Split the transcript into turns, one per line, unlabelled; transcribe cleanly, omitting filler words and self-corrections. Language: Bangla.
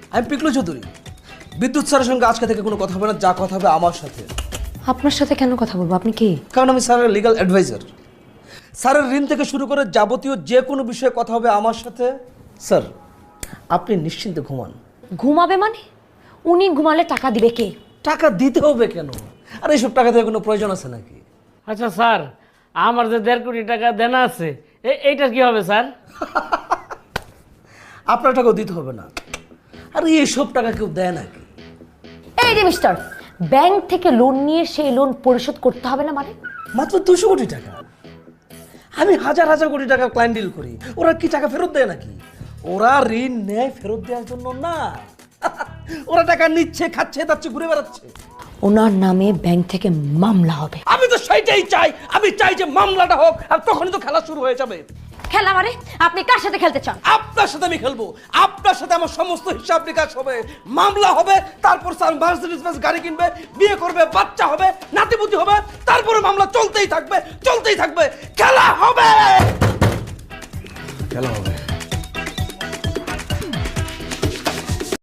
আমি পিকলু চৌধুরী। বিদ্যুৎ স্যারের সঙ্গে আজকে থেকে কোনো কথা হবে না, যা কথা হবে আমার সাথে।
আপনার সাথে কেন কথা বলবো? আপনি কি?
কারণ আমি স্যারের লিগ্যাল অ্যাডভাইজার। স্যারের ঋণ থেকে শুরু করে যাবতীয় যে কোনো বিষয়ে কথা হবে আমার সাথে। স্যার, আপনি নিশ্চিন্তে ঘুমান।
ঘুমাবে মানে? উনি ঘুমালে টাকা দিবে কে?
টাকা দিতে হবে কেন? আর এইসব টাকা থেকে কোনো প্রয়োজন আছে নাকি?
আচ্ছা স্যার, আমার যে 1.5 কোটি টাকা দেনা আছে, এইটা কি হবে স্যার?
আপনার টাকাও দিতে হবে না। আর এইসব টাকা কেউ দেয় নাকি?
এই যে মিস্টার, ব্যাংক থেকে লোন নিয়ে সেই লোন পরিশোধ করতে হবে না মানে?
মাত্র 200 কোটি টাকা। আমি হাজার হাজার কোটি টাকা ক্লায়েন্ট ডিল করি, ওরা কি টাকা ফেরত দেয় নাকি? ওরা ঋণ নেয় ফেরত দেওয়ার জন্য না। ওরা টাকা নিচ্ছে, খাচ্ছে, তাচ্ছে, ঘুরে বেড়াচ্ছে।
ওনার নামে ব্যাংক থেকে মামলা হবে।
আমি তো সেইটাই চাই। আমি চাই যে মামলাটা হোক, আর তখনই তো খেলা শুরু হয়ে যাবে।
খেলা মানে? আপনি কার সাথে খেলতে চান?
আপনার সাথে আমি খেলবো। আপনার সাথে আমার সমস্ত হিসাব নিকাশ হবে, মামলা হবে, তারপর স্যার মার্সিডিজ বেঞ্জ গাড়ি কিনবে, বিয়ে করবে, বাচ্চা হবে, নাতিপুতি হবে, তারপরে মামলা চলতেই থাকবে, চলতেই থাকবে। খেলা হবে, খেলা হবে।